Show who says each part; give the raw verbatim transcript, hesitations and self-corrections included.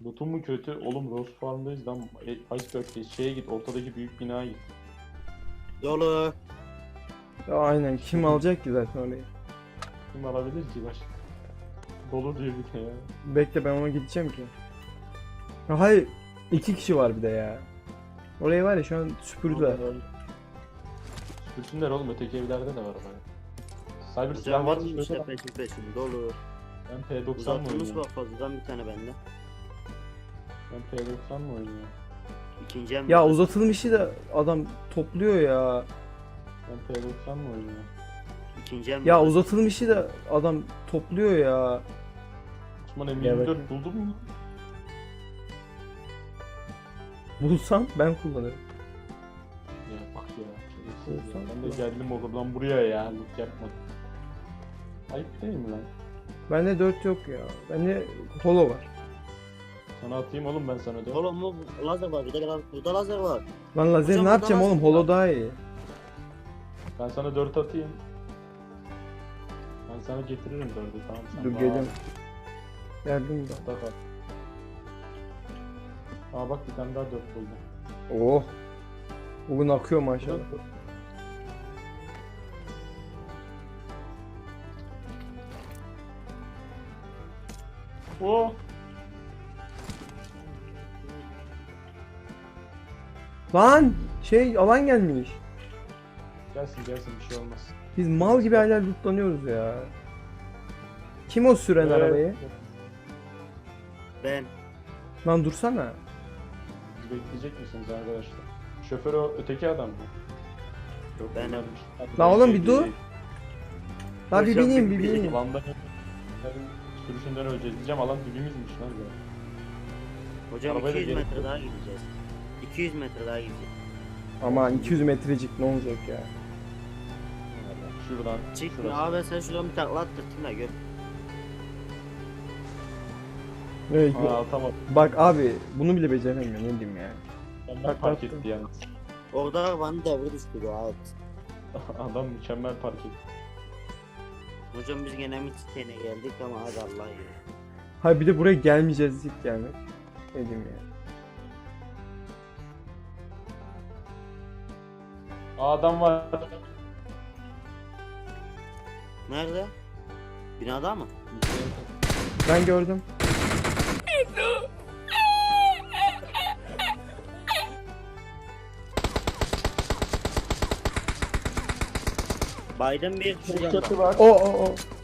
Speaker 1: Loot'un mu kötü? Oğlum Rose Farm'dayız lan. E, Iceberg'deyiz. Şeye git, ortadaki büyük binaya git.
Speaker 2: Dolu.
Speaker 3: Ya aynen, kim alacak ki zaten orayı?
Speaker 1: Kim alabilir ki baş? Dolu diyor bir de ya.
Speaker 3: Bekle, ben ona gideceğim ki. Ha, hayır, iki kişi var bir de ya. Orayı var ya şu an süpürdüler.
Speaker 1: Sürsünler oğlum, öteki evlerde de var bana. Cyber silah
Speaker 2: Hocam
Speaker 1: var
Speaker 2: var
Speaker 1: mı?
Speaker 2: işte peşin peşin dolu.
Speaker 1: Ben P doksan mı
Speaker 2: Uzatılmış
Speaker 1: oynuyorum?
Speaker 2: bak fazladan bir tane bende.
Speaker 1: Ben P doksan mı oynuyorum?
Speaker 2: İkinci em.
Speaker 3: Ya uzatılmışı da adam topluyor ya.
Speaker 1: Ben P doksan mı oynuyorum?
Speaker 2: İkinci em.
Speaker 3: Ya uzatılmışı da adam topluyor ya.
Speaker 1: Osman M
Speaker 3: Ya
Speaker 1: yirmi dört
Speaker 3: bak-
Speaker 1: buldun mu?
Speaker 3: Bulsam ben kullanırım.
Speaker 1: Ya bak ya. şerefsiz ya.
Speaker 3: Olsan
Speaker 1: Ben de
Speaker 3: kullan.
Speaker 1: geldim oradan buraya ya. Loot yapmadım. Ayıp değil mi lan?
Speaker 3: Bende dört yok ya. Bende holo var.
Speaker 1: Sana atayım oğlum ben sana dört.
Speaker 2: Oğlum bu lazer var bir de la- burada lazer var.
Speaker 3: Lan lazer
Speaker 2: Hocam
Speaker 3: ne
Speaker 2: burada
Speaker 3: yapacağım
Speaker 2: lazer
Speaker 3: oğlum?
Speaker 2: var.
Speaker 3: Holo daha iyi.
Speaker 1: Ben sana dört atayım. Ben sana getiririm dördü, tamam sen.
Speaker 3: Dur
Speaker 1: bana
Speaker 3: geliyorum.
Speaker 1: al.
Speaker 3: Geldim de.
Speaker 1: Bak bak. Aa bak, bir tane daha dört buldum.
Speaker 3: Oh. Bugün akıyor maşallah.
Speaker 1: Oh!
Speaker 3: Lan şey, alan gelmiş.
Speaker 1: Gelsin gelsin, bir şey olmaz.
Speaker 3: Biz mal gibi hala lootlanıyoruz ya. Kim o süren
Speaker 1: Evet.
Speaker 3: arabayı?
Speaker 2: Ben.
Speaker 3: Lan dursana.
Speaker 1: Siz bekleyecek misiniz arkadaşlar? Şoför o öteki adam mı? Yok,
Speaker 2: Benim.
Speaker 1: bunlarmış. Hadi
Speaker 3: Lan
Speaker 1: ben
Speaker 3: oğlum
Speaker 1: şey
Speaker 3: bir dur.
Speaker 1: değil.
Speaker 3: Lan bir
Speaker 2: Hocam,
Speaker 3: bineyim
Speaker 2: bir
Speaker 3: bir
Speaker 2: bineyim.
Speaker 3: bineyim.
Speaker 1: Alanda sürüşünden öleceğiz diyeceğim, alan dibimizmiş lan ya.
Speaker 2: Hocam
Speaker 1: Arabaya da
Speaker 2: iki yüz
Speaker 1: gerek
Speaker 2: metre
Speaker 1: yok.
Speaker 2: daha gideceğiz. iki yüz metre daha gideceğiz.
Speaker 3: Ama iki yüz metrecik ne olacak ya?
Speaker 1: Şuradan.
Speaker 2: Çıkma
Speaker 1: şurası.
Speaker 2: abi sen şuradan bir takla attırtın da gör.
Speaker 3: Evet,
Speaker 1: Aa tamam.
Speaker 3: bak abi bunu bile beceremiyor, ne diyeyim ya.
Speaker 1: Mükemmel
Speaker 3: Bak,
Speaker 1: park
Speaker 3: baktım.
Speaker 1: etti yalnız.
Speaker 2: Orada bana devre düştü rahat.
Speaker 1: Adam mükemmel park etti.
Speaker 2: Hocam biz gene Midstay'e geldik ama hadi Allah ya.
Speaker 3: Hayır, bir de buraya gelmeyeceğiz ilk gelmek. Ne diyeyim ya.
Speaker 1: Aa, adam var.
Speaker 2: Nerede? Binada mı?
Speaker 3: Ben gördüm.
Speaker 2: Biden bir şuradan bak.
Speaker 1: var.
Speaker 3: O o o.